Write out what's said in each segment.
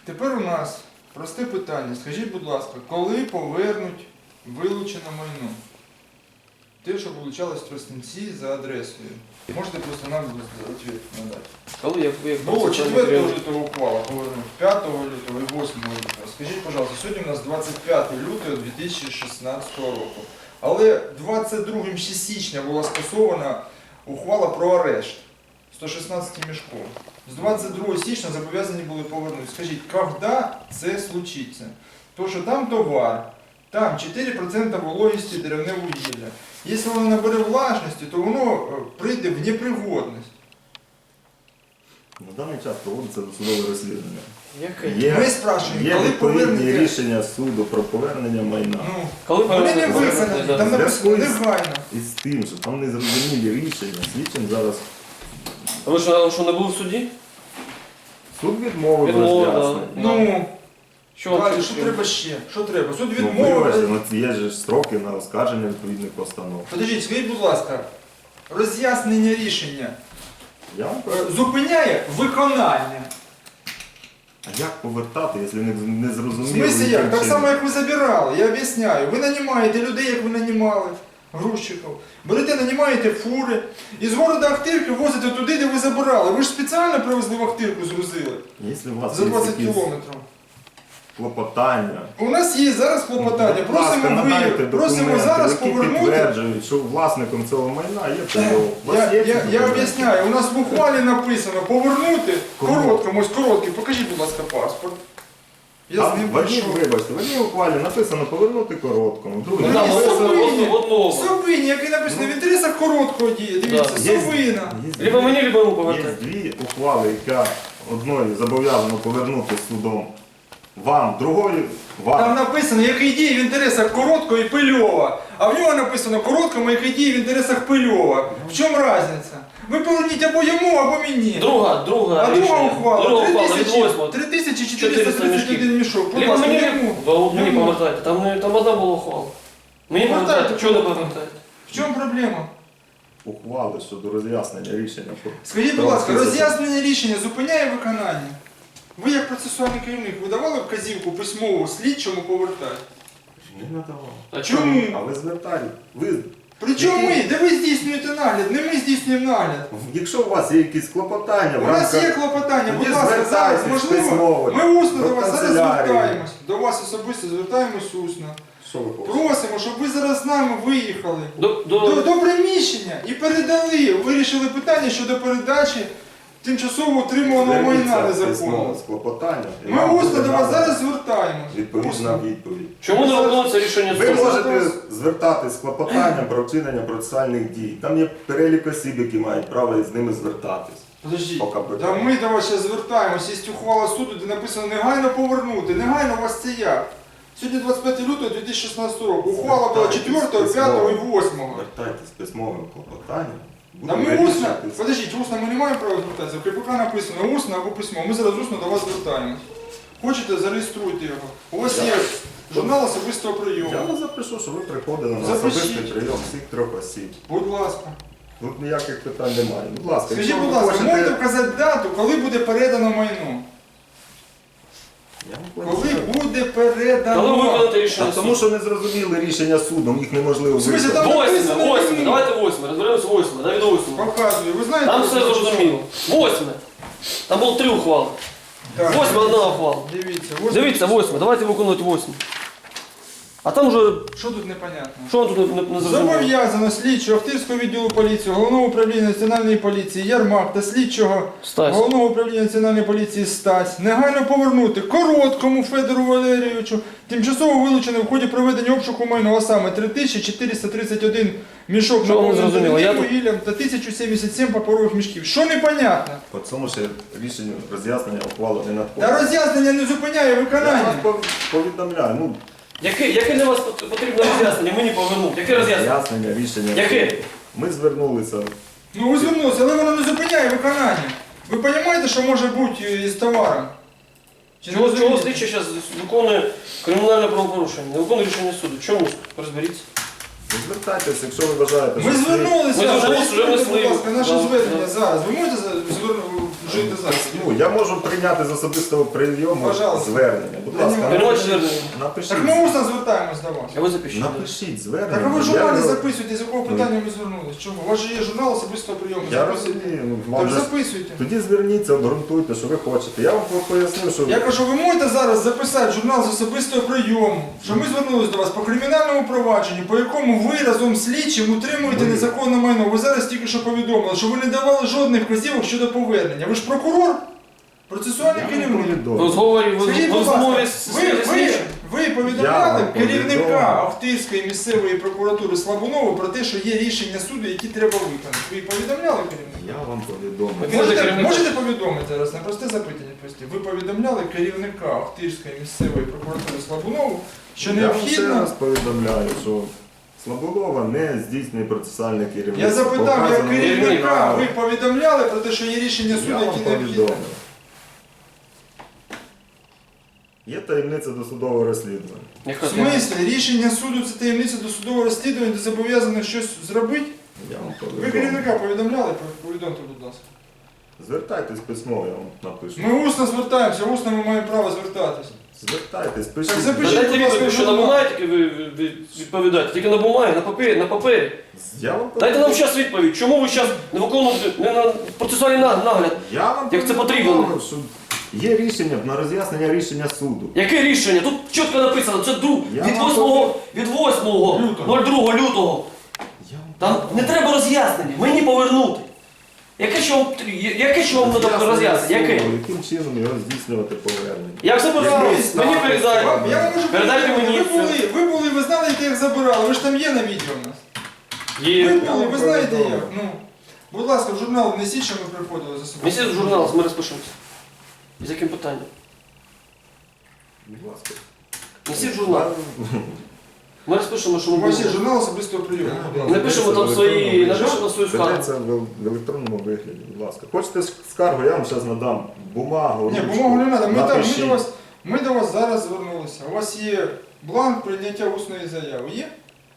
Тепер у нас просте питання. Скажіть, будь ласка, коли повернуть вилучене майно? Те, що вилучалось в Тростянці за адресою. Можете просто нам відповідь надати. Коли як Було 4 лютого ухвала повернуть, 5 лютого і 8 лютого. Скажіть, пожалуйста, сьогодні у нас 25 лютого 2016 року. Але 22 січня була скасована ухвала про арешт 116 мішков. З 22 січня зобов'язані були повернути. Скажіть, коли це случиться? То, що там товар, там 4% вологості деревне вугілля. Якщо воно набере влажності, то воно прийде в непригодність. На даний час проводиться досудове розслідування. Яке? Ми спрашуємо, Є коли відповідні повернете? рішення суду про повернення майна. Ну, Коли вони не виконані, там написано негайно. І з тим, що там незрозумілі рішення, слідчим зараз Ви що не були в суді? суд відмовив Відмовив, роз'яснення. Ну, Що вам далі, що потрібно? треба ще? Що треба? Суд Ну, відмовив. вибачте, є ж строки на оскарження відповідних постанов. Подождіть, скажіть, будь ласка, роз'яснення рішення Я вам зупиняє виконання. А як повертати, якщо не В зрозуміло? смысле як? Так яким само, чином? як ви забирали, я об'ясняю. Ви нанімаєте людей, як ви нанімали, грузчиків. Берете, нанімаєте фури і з города Ахтирки возите туди, де ви забирали. Ви ж спеціально привезли в Ахтирку, згрузили. Якщо у вас За є 20 якісь кілометрів. клопотання, У нас є зараз клопотання. будь ласка, Просимо надайте просимо документи, зараз які повернути. підтверджують, що власником цього майна є ТО. У вас є ці Я документи? об'ясняю, у нас в ухвалі написано повернути Кому? короткому, ось короткий. Покажіть, будь ласка, паспорт. Я з Там ним в одній, прийшов. вибачте, в одній ухвалі написано повернути короткому, другий Ну, Там ні, написано... Совині. в одному. Совині, який написано в інтересах короткого дії. Дивіться, Да. Є- Совина. Либо мені, либо йому Є повертати. дві ухвали, яка одною зобов'язано повернути судом вам, другою Там вам. написано, який діє в інтересах короткого і Пильова. А в нього написано короткому, який діє в інтересах Пильова. В чому різниця? Ви поверніть або йому, або мені. Друга А друга рішення. ухвала, Друга ухвала від 8. 3431 мішок. Будь Либо ласка, мені, йому. мені Йому. повертайте. Там одна була ухвала. Мені Повертайте, повертайте, чого не повертайте. повертаєте? В чому проблема? Ухвали щодо роз'яснення рішення. Скажіть, будь ласка, Про роз'яснення рішення зупиняє виконання? Ви як процесуальний керівник видавали вказівку письмову слідчому повертати? Не надавав. А Чому? А ви звертали. Причому ми? Де ви здійснюєте нагляд? Не ми здійснюємо нагляд. Якщо у вас є якісь клопотання, У нас є клопотання, будь Тоді ласка, зараз звертайтесь можливо. письмово Ми усно до до вас зараз канцелярії. звертаємось. До вас особисто звертаємось усно. Що ви хочете? Просимо, щоб ви зараз з нами виїхали До до приміщення і передали, вирішили питання щодо передачі тимчасово утримуваного майна Зверніться незаконно. письмово з клопотанням. і Ми вам усно буде до вас надана зараз звертаємось. відповідна Усно. відповідь. чому не виконується рішення Ви суду? можете звертатись з клопотанням про вчинення процесуальних дій. Там є перелік осіб, які мають право з ними звертатись. Подождіть, По КПК. та ми до вас зараз звертаємось, є ухвала суду, де написано негайно повернути. Негайно у вас це як? Сьогодні 25 лютого 2016 року. Ухвала була 4, 5 і 8. Звертайтесь з письмовим клопотанням. Та Будемо ми усно, вирішувати. подождіть, усно ми не маємо права звертатися. В КПК написано усно або письмо. Ми зараз усно до вас звертаємось. Хочете, зареєструйте його. У вас є журнал особистого прийому. Я вас запишу, що ви приходили на Запишіть. особистий прийом всіх 3 осіб. Будь ласка. Тут ніяких питань немає. Будь ласка, Скажіть, якщо будь ви ласка, можете хочете... вказати дату, коли буде передано майно? Я вам Коли поясню. буде Коли передано? виконати рішення Та тому суду? що не зрозуміли рішення судом, їх неможливо В смислі, виконати. там- Восьме, восьме, давайте восьме, розберемося восьме, навіть до восьме. Показую. Ви знаєте, Там все зрозуміло. Восьме. Там було 3 ухвали. Так, Восьме одна ухвала. Дивіться, Дивіться, восьме, давайте виконувати восьме. А там вже, Що тут непонятно? що вам тут не зрозуміло? Зобов'язано слідчого Охтирського відділу поліції, Головного управління Національної поліції Ярмак та слідчого Стась. Головного управління Національної поліції Стась негайно повернути Короткому Федору Валерійовичу тимчасово вилучене в ході проведення обшуку майна, а саме 3431 мішок Що вам не зрозуміло? Я наповнених тут- вугіллям та 1077 паперових мішків. Що непонятно? По цьому ще рішення роз'яснення ухвалу не надходить. Та роз'яснення не зупиняє Я вас виконання. повідомляю, ну, Яке для вас потрібно роз'яснення? Мені повернути. Яке роз'яснення? роз'яснення, рішення. Яке? Ми звернулися. Ну ви звернулися, але воно не зупиняє виконання. Ви розумієте, що може бути із товаром? Чи не Чого розумієте? слідчий зараз виконує кримінальне правопорушення? Не виконує рішення суду. Чому? Розберіться. Ви звертайтеся, якщо ви вважаєте, Ми що звернулися, Ми вже зареєструйте, внесли. будь ласка, наше Да, звернення да. зараз. Ви можете чуєте зараз. Ну, я можу прийняти з особистого прийому Пожалуйста. звернення. Будь ласка, Приймайте звернення. напишіть. Так ми усно звертаємось до вас. А ви запишіть. Напишіть звернення. Так а ви в Я журналі його- записуєте, з якого питання ви звернулись. Чому? У вас же є журнал особистого прийому. Я Записуйте. розумію. Ну, Так вам же- записуйте. Тоді зверніться, обґрунтуйте, що ви хочете. Я вам поясню, що Я кажу, ви можете зараз записати журнал з особистого прийому, що ми звернулись до вас по кримінальному провадженню, по якому ви разом з слідчим утримуєте Ви- незаконне майно. Ви зараз тільки що повідомили, що ви не давали жодних вказівок щодо повернення. Ви ж прокурор, процесуальний я вам керівник. В повідомлю. розговорі, Скажіть, в будь розмові ласка, з ви Я повідомляли вам керівника повідомив. Охтирської місцевої прокуратури Слабунова про те, що є рішення суду, які треба виконати. Ви повідомляли керівника? Я вам повідомлю. Він же керівник. Можете повідомити зараз на просте запитання відповісти? Ви повідомляли керівника Охтирської місцевої прокуратури Слабунову, що Я вам ще необхідно. раз повідомляю, що Слабунова не здійснює процесуальне керівництво. Я запитав, як Показано керівника, право. ви повідомляли про те, що є рішення суду, Я вам які необхідно. повідомив. Є таємниця досудового розслідування. Яка В смислі, рішення суду це таємниця досудового розслідування, де зобов'язаних щось зробити? Я вам Ви повідомив. керівника повідомляли? Повідомте, будь ласка. Звертайтесь письмово, я вам напишу. Ми усно звертаємося, усно ми маємо право звертатись. Звертайтесь, Так пишіть. запишіть. Дайте будь ласка, відповідь, що на журнал. бумагі тільки ви відповідаєте, тільки на бумагі, на папері. Я вам Дайте нам зараз відповідь, чому ви зараз не виконуєте не на процесуальний нагляд? Я вам Як це повідомив, потрібно? що є рішення на роз'яснення рішення суду. Яке рішення? Тут чітко написано, це Я від вам 8 лютого. Я вам Там не треба роз'яснення, мені повернути. Яке що вам треба роз'яснення? Яке? Яким чином його здійснювати повернення? Як це Якийсь мені напис. передайте. Я вам можу Передайте повідомити, мені. ви були, ви знали, як їх забирали, ви ж там є на відео в нас. Ви Є. були, ви знаєте повідомив. як. Ну, будь ласка, в журнал внесіть, що ми приходили за собою. Місяць в журнал, ми розпишемося. І з яким питанням? Будь ласка. Несіть журнал. Ми розпишемо, що У ми вас є будемо. журнал особистого прийому. Напишемо там свої, напишемо свою скаргу. Ведеться в електронному вигляді, будь ласка. Хочете скаргу, я вам зараз надам бумагу. Ні, ручку. бумагу не треба. Напишіть. Ми до вас зараз звернулися. У вас є бланк прийняття усної заяви. Є?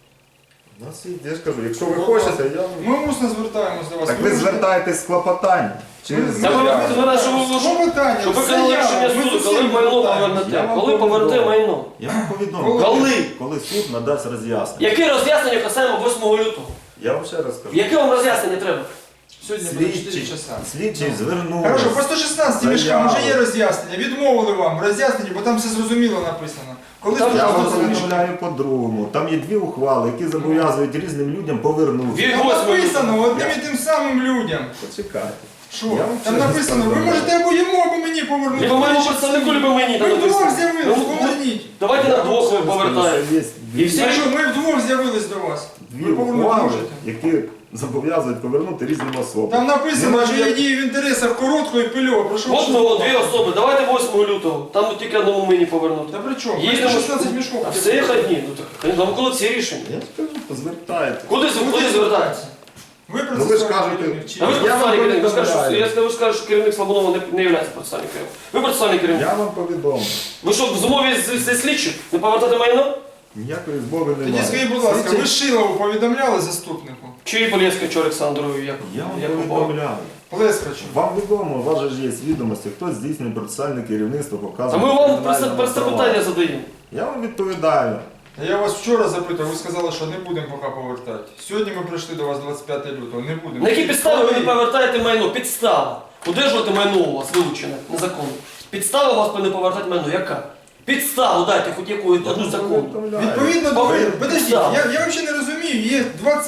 У нас є, я ж кажу, якщо ви хочете, я вам... Ми усно звертаємось до вас. Так ви звертаєтесь з клопотанням. Через Та ви мене, що ви Клопотання, Щоб ви заява, рішення ми суду, з коли усім майно звертаємось. Я повернете. вам Коли повернете повідомив. майно. Я вам повідомлю, Коли? суд надасть роз'яснення. Яке роз'яснення касаємо 8 лютого? Я вам ще раз кажу. Яке вам роз'яснення треба? Сьогодні буде 4 Слідчий, часа. слідчий звернувся. Хорошо, по 116 мішкам вже є роз'яснення. Відмовили вам роз'яснення, бо там все зрозуміло написано. Коли Там Я вам 116 мішкам? повідомляю по-другому. Там є дві ухвали, які зобов'язують різним людям повернути. Від Там 8 написано лютого. одним і тим самим людям. Почекайте. Що? Я вам Там ще раз написано, ви повідомляю. можете або йому, або мені повернути. Либо моєму представнику, либо мені там Ви вдвох написано. з'явились, Ну, поверніть. Давайте на двох Ще раз кажу, повертаємо. що є І всі- Якщо ми вдвох з'явились до вас, дві ви повернути ухвали, можете. які зобов'язують повернути різним особам. Там написано, Нема що є ніяк- дії в інтересах Короткого і Пильова. Прошу От ми дві особи, давайте 8 лютого. Там тільки одному мені повернути. Та при чому? Їдемо. Ми 16 мішков. А все одні. Ну так, нам коли всі рішення. Я ж кажу, звертайте. Куди звертатися? Ви Ну ви ж кажете, А ви ж Я процесуальний вам керівник. Ви скажете, що, повідомляю. ви скажете, що керівник Слабунова не є процесуальним керівником. Ви процесуальний керівник. я вам повідомлю. Ви що, в змові зі слідчим не повертати майно? Ніякої змови немає. Тоді скажіть, будь ласка, Слідчий- ви Шилову повідомляли заступнику? Чи Полєвська, Олександру, як Я вам Якубова? повідомляю. Плескачу. Вам відомо, у вас же ж є відомості, хто здійснює процесуальне керівництво, А показує. ми вам кримінальному просто питання провадженню. задаємо. Я вам відповідаю. Я вас вчора запитав, ви сказали, що не будемо поки повертати. Сьогодні ми прийшли до вас 25 лютого, не будемо. На які підстави ви Коли? не повертаєте майно? Підстава. Удержувати майно у вас вилучене незаконно. Підстава у вас не повертати майно. Яка? Підставу дайте хоч яку одну законну. Повідомляю. Відповідно до Повинен. подождіть, Так. я взагалі не розумію, є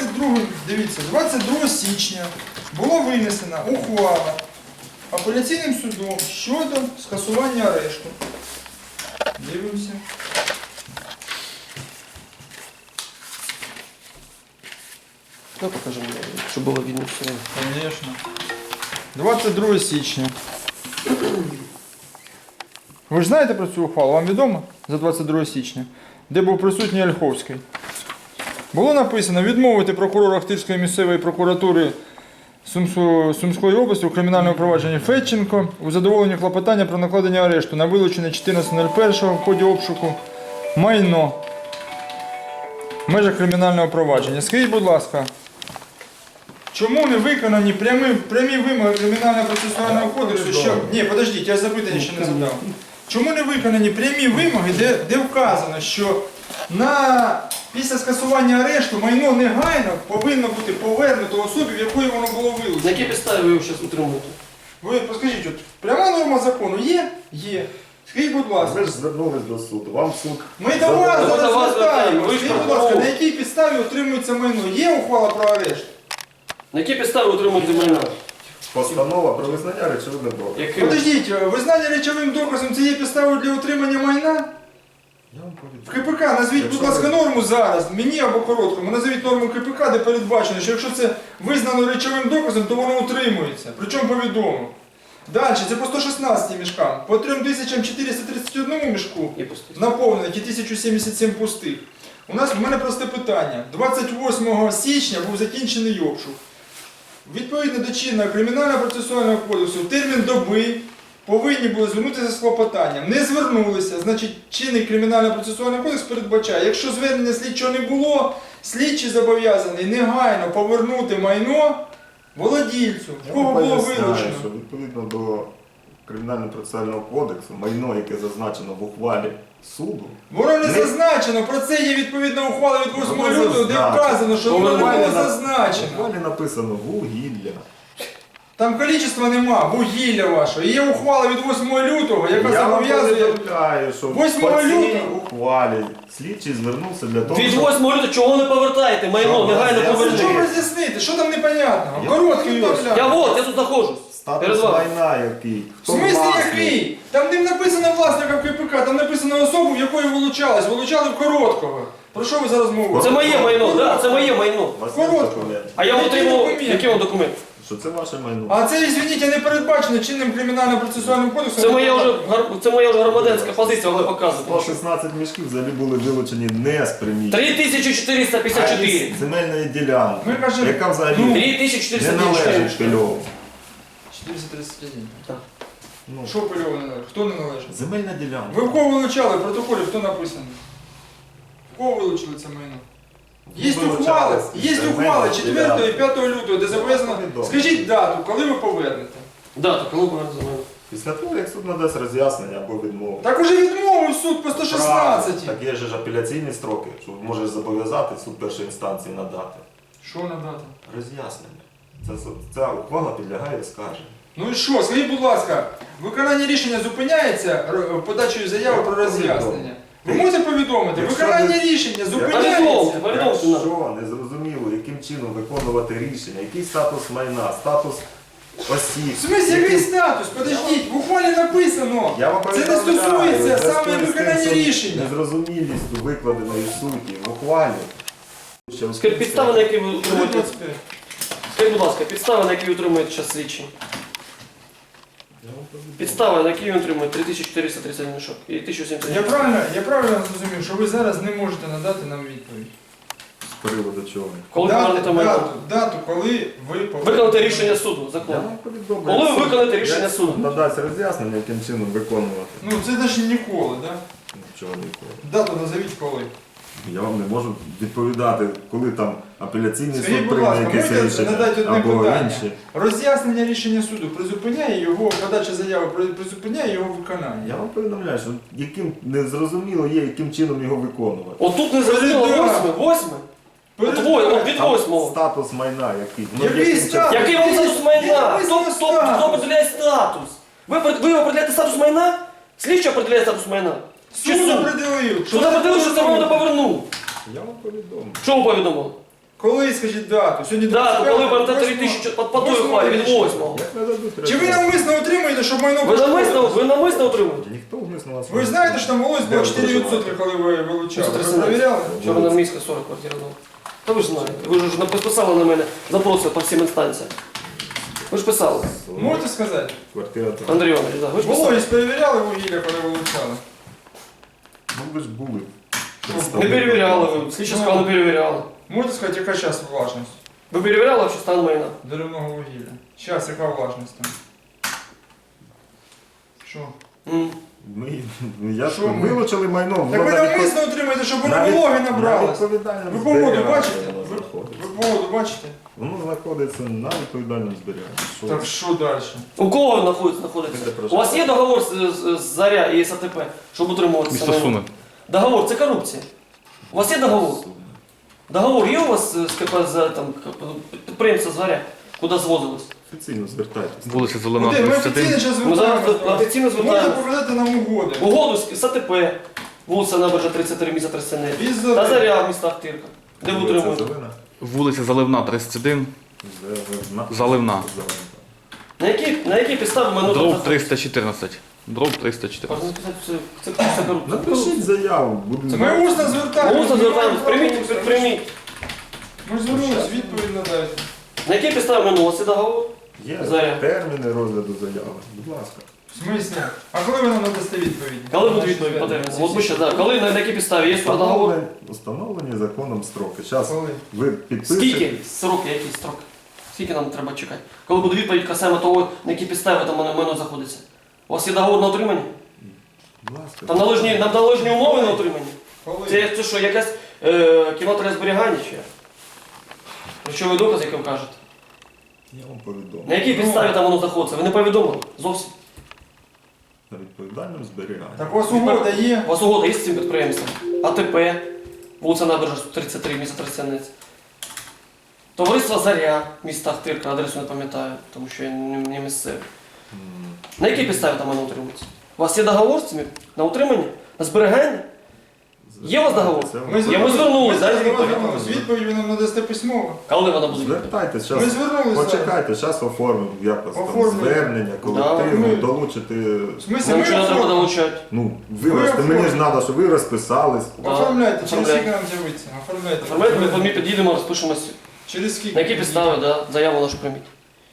22 січня було винесена ухвала апеляційним судом щодо скасування арешту. Дивимося. Ну, покажемо, щоб було видно все. Конечно. 22 січня. Ви ж знаєте про цю ухвалу? Вам відомо? За 22 січня. Де був присутній Ольховський. Було написано відмовити прокурора Охтирської місцевої прокуратури Сумської області у кримінальному провадженні Федченко у задоволенні клопотання про накладення арешту на вилучене 14.01 в ході обшуку майно в межах кримінального провадження. Скажіть, будь ласка, чому не виконані прямі вимоги Кримінального процесуального кодексу, що... Ні, подождіть, я запитання ще не задав. Чому не виконані прямі вимоги, де вказано, що після скасування арешту майно негайно повинно бути повернуто особі, в якої воно було На вилучено? якій підставі ви його зараз утримуєте? Ви скажіть, от пряма норма закону є? Є. Скажіть, будь ласка. Ви ж звернулись до суду, вам суд... Ми до вас Ми до зараз вас звертаємо. звертаємось. Ви ж Скажіть, будь ласка, прокурор. на якій підставі утримується майно? Є ухвала про арешт? На якій підставі утримуєте майно? Постанова про визнання речовини доказу. Яким? Подождіть, визнання речовим доказом це є підставою для утримання майна? Я вам В повідомляю. КПК назвіть, будь Якщо ласка, ви- норму зараз, мені або короткому, назвіть норму КПК, де передбачено, що якщо це визнано речовим доказом, то воно утримується. Причому повідомо. Далі, це по 116 мішкам, по 3431 мішку І пустить. наповнених і 1077 пустих. В мене просте питання. 28 січня був закінчений обшук. Відповідно до чинного Кримінального процесуального кодексу в термін доби повинні були звернутися з клопотанням. Не звернулися, значить чинний Кримінальний процесуальний кодекс передбачає, якщо звернення слідчого не було, слідчий зобов'язаний негайно повернути майно володільцю, в Я кого вам було поясняю, вилучено. що відповідно до Кримінально-процесуального кодексу, майно, яке зазначено в ухвалі суду, Воно не Не- зазначено, про це є відповідна ухвала від 8 Воно лютого, де зазначено. вказано, що воно не було в зазначено. ухвалі написано вугілля. Там кількості нема, вугілля вашого. Є ухвала від 8 лютого, яка Я вам зобов'язує. повідомляю, що 8 по цій лютого. ухвалі слідчий звернувся для того, Від щоб 8 лютого чого не повертаєте майно? Що, Негайно я Що поверніть. роз'яснити? Що там непонятного? Я Короткий повідомляю. Я вот, я тут знаходжусь. Перед статус вами. майна який. В Хто смислі власник? який? Там не написано власника в КПК, там написано особу, в якої вилучались. Вилучали в короткого. Про що ви зараз мовите? Це моє майно, да, це моє майно. У вас є Коротко. документ, А я вам Який отримав, документ? який вам документ? що це ваше майно. А це, извините, не передбачено чинним кримінально-процесуальним кодексом. Це моя вже громадянська позиція, вам показувати. 116 мішків взагалі були вилучені не з приміщення, 3454. а з земельної ділянки, Ми кажемо, яка взагалі ну, не 3454. належить Пильову. 431. Так. Ну, Що пильово не належить? Хто не належить? земельна ділянка. Ви в кого вилучали? В протоколі хто написано? В кого вилучили це майно? Є ухвали 4 і 5 лютого, де зобов'язано. Скажіть дату, коли ви повернете. Да, так коли повернете за мене? Після того, як суд надасть роз'яснення або відмову. Так уже відмовив суд по 116. Так є ж апеляційні строки, що можеш зобов'язати суд першої інстанції надати. Що надати? Роз'яснення. Ця ухвала підлягає оскарженню. Ну і що, скажіть, будь ласка, виконання рішення зупиняється подачею заяви про роз'яснення? Ви можете повідомити? Якщо Виконання ви- рішення Повідомте, зупиняється? повідомте нам. Якщо не зрозуміло, яким чином виконувати рішення, який статус майна, статус осіб. В смысле, який статус? Подождіть, в ухвалі написано. Я вам Це не повідомляю, стосується в зв'язку саме з тим, виконання що рішення. Незрозумілістю викладеної суті в ухвалі. Скажіть, підстави, на які ви утримуєте? 25. Скажіть, будь ласка, підстави, на які ви утримуєте зараз слідчі? Підстави, на які він утримує 3431 мішок і 1070. Я правильно зрозумів, що ви зараз не можете надати нам відповідь. З приводу чого? Коли повернете майно? Дату, коли ви Виконати рішення суду, Я закон. вам повідомлю. Коли ви Суд- виконаєте рішення як суду? Надасть роз'яснення, яким чином виконувати. Ну це навіть ніколи, да? Нічого ніколи. Дату назовіть коли. Я вам не можу відповідати, коли там апеляційний Скажіть, суд будь прийме ласка, якесь можете рішення надати одне або питання? інші. Роз'яснення рішення суду призупиняє його, подача заяви призупиняє його виконання. Я вам повідомляю, що яким незрозуміло є, яким чином його виконувати. Отут не зрозуміло, Передав. восьме? От від Там 8-го. статус майна який. Який яким статус? Який вам статус майна? Написано Хто статус. определяє статус? Ви определяєте статус майна? Слідчий определяє статус майна? Чи Суд суд? определив. Суд определив, що це вам не повернув. Я вам повідомлю. Що ви повідомили? Коли, скажіть, дату? Сьогодні Дату, 25, коли повернете 8. 3000 по той ухвалі від 8-го. Як не дадуть Чи ви роз'яснення? навмисно отримуєте, щоб майно Ви намисно отримуєте? Ніхто вмисно вас Ви знаєте, що там волос було Де 4%, коли ви вилучали? Ви 113. перевіряли? Вчора на міська 40 квартира дома. Та ви ж знаєте, ви ж написали на мене запроси по всім інстанціям. Ви ж писали. Можете сказати? Квартира там. Андрій Іванович, да, ви ж писали. Вологість перевіряли вугілля, коли вилучали? Ну ви ж були. Не перевіряли ви, слідчі сказали, не перевіряли. Можете сказати, яка зараз влажність Ви перевіряли, що стан майна? деревного вугілля? Зараз яка влажність там? Що? Я Що ми? вилучили майно. Так воно ви на відпо- навмисно отримаєте, щоб воно на вологи від- на набралось. відповідальному Ви погоду зберіганні бачите? воно Ви знаходиться. погоду бачите? Воно знаходиться на відповідальному зберіганні. Що? Так що далі? У кого він знаходиться? Де У вас є договор з Заря і САТП, щоб утримуватися? Місто на Суми. ньому? Договор, це корупція. У вас є договор? Договор є у вас з КП, підприємства Заря, куди звозилось? Офіційно звертайтеся. Вулиця Зелена, Куди? Ми 31. офіційно зараз Ми зараз звертаємося. офіційно Можете звертаємося. показати нам угоди. Угоду з САТП, вулиця Набережна 33, місто Тростянець. Із Та Заря. Заря в містах Тирка. Де ви Вулиця утримуєте? Зелена. Вулиця Заливна, 31. Заливна. Заливна. На якій підставі ми Дроб 314. Дроб 314. Це корупція. Напишіть заяву. будемо- Ми усно звертаємося. Усно звертаємось, прийміть. Ми ж звернулись, відповідь надайте. На якій підставі ми у вас є договор? Є Заря. терміни розгляду заяви. Будь ласка. В смислі? А коли ви нам надасте відповідь? Коли буде відповідь по терміну? От ми ще, да. Коли, на якій підставі? Є договор? Встановлені законом строки. Зараз Коли? ви підпишете. Скільки? Сроки, які строки? Скільки нам треба чекати? Коли буде відповідь касаємо того, на якій підставі там воно знаходиться? У вас є договор на утримання? Будь ласка. Там належні умови на утримання? Коли? Це що, якась кімната зберігання чи? як? Речовий доказ, як ви кажете? Я вам повідомлю. На якій підставі там воно знаходиться? Ви не повідомили? Зовсім. На відповідальному зберіганні. Так у вас угода є? У вас угода є з цим підприємством? АТП, вулиця Набережна 33, місто Тростянець. Товариство Заря в містах Тирка, адресу не пам'ятаю, тому що я не місцевий. На якій підставі там воно утримується? У вас є договор з цими на утримання? На зберігання? Є у вас договор? Це Ми вам- звернулись, да, звернулись. Відповідь ви нам надасте письмово. Коли вона буде? Звертайтесь, Ми зараз. звернулися. Почекайте, зараз оформимо якось там Оформлюємо. звернення, колективне, ми- долучити. В смислі, Нам ми нічого не треба оформимо. долучати. Ну, Ви вибачте, мені ж оформите. треба, щоб ви розписались. Да. Оформляйте, через Оформляйте. скільки нам з'явиться? Оформляйте. Оформляйте, ми під'їдемо, розпишемося. Через скільки? На які підстави, да, заяву нашу прийміть.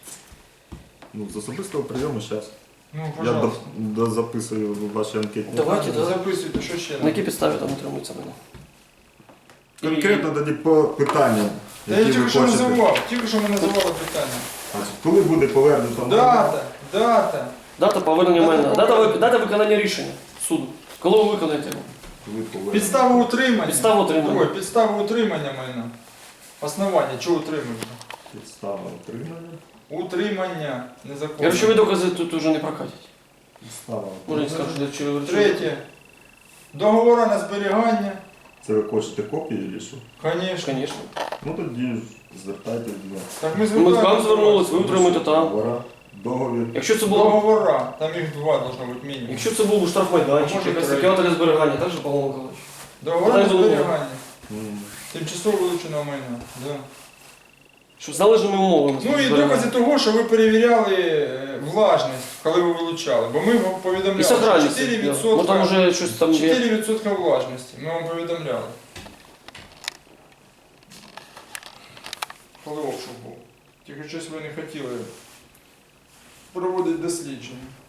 Ну, з особистого прийому зараз. Ну, Я пожалуйста. записую ваші анкетні. Давайте, дані. да. Записуйте, що ще? На які підстави там утримується мене? Конкретно тоді по питанням, Та я які ви тільки що хочете. називав, тільки що ми називали питання. Значить, коли буде повернуто майно, Дата. Дата повернення Дата майна. повернення. Дата виконання рішення суду. Коли ви виконаєте його? ви повернете. Підстава утримання. Підстава утримання. Ой, підстава утримання майна. Основання, чого утримання? Підстава отримання. Утримання незаконне. Речові докази тут уже не прокатять. Підстава Може, не отримання. скажу, що речові. Третє. Договора на зберігання. Це ви хочете копії чи що? Звісно. Звісно. Ну тоді звертайтесь до нас. Так ми Ми звертаємося. к вам звернулись, ви утримуєте там. Договора, договір. Якщо це було. Договора. Там їх два должно бути мінімум. Якщо це був би штрафмайданчик, Може, якась третє. кімната для зберігання, так же, Павло Миколаївич? Договора на Так було. зберігання. М. Тимчасово вилученого майна. Да. Що з належними умовами. Ну і зберігання. докази того, що ви перевіряли влажність, коли ви вилучали. Бо ми вам І повідомляли, що сохранність. 4%, Ну там уже щось там є. 4% влажності. Ми вам повідомляли. Коли обшук був. Тільки щось ви не хотіли проводити дослідження.